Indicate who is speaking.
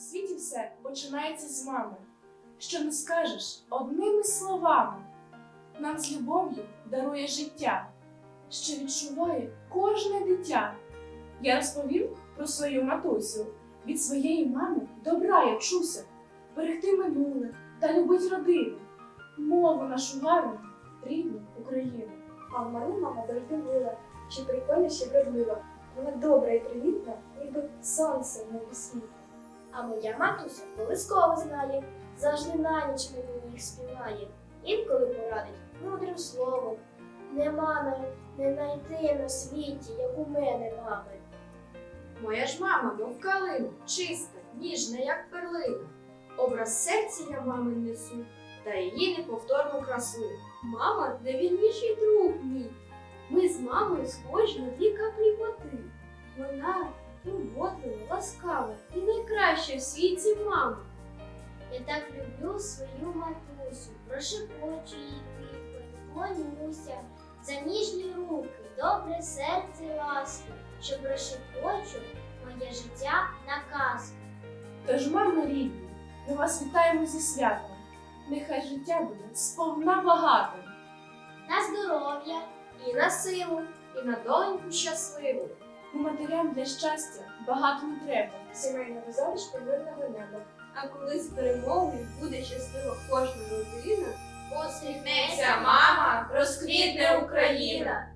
Speaker 1: світі все починається з мами, що не скажеш одними словами. Нам з любов'ю дарує життя, що відчуває кожне дитя. Я розповім про свою матусю. Від своєї мами добра я вчуся, берегти минуле та любить родину, мову нашу гарну, рідну Україну.
Speaker 2: А в мене мама завжди мила, ще прикольна, ще вродлива. Вона добра і привітна, ніби сонце в небі світла.
Speaker 3: А моя матуся колисково знає, завжди на ніч мені їх співає. Інколи порадить мудрим словом. Нема не знайти на світі, як у мене мами.
Speaker 4: Моя ж мама, мов калина, чиста, ніжна, як перлина. Образ серця я мами несу, та її неповторну красу.
Speaker 5: Мама найвільніший друг мій. Ми з мамою схожі на дві каплі води. Вона турботлива, ласкава і найкраща в світі мама.
Speaker 3: Я так люблю свою матусю, прошепочу їй тихо, клонюся за ніжні руки, добре серце і ласки, що прошепочу моє життя на казку.
Speaker 1: Тож, мамо рідні, ми вас вітаємо зі святом. Нехай життя буде сповна багатим.
Speaker 3: На здоров'я
Speaker 4: І на силу, і на доленьку щасливу.
Speaker 1: У матерям для щастя багато не треба.
Speaker 2: Сімейного залишку мирного неба.
Speaker 5: А коли з перемогою буде щаслива кожна родина,
Speaker 4: Посміхнеться мама, розквітне Україна.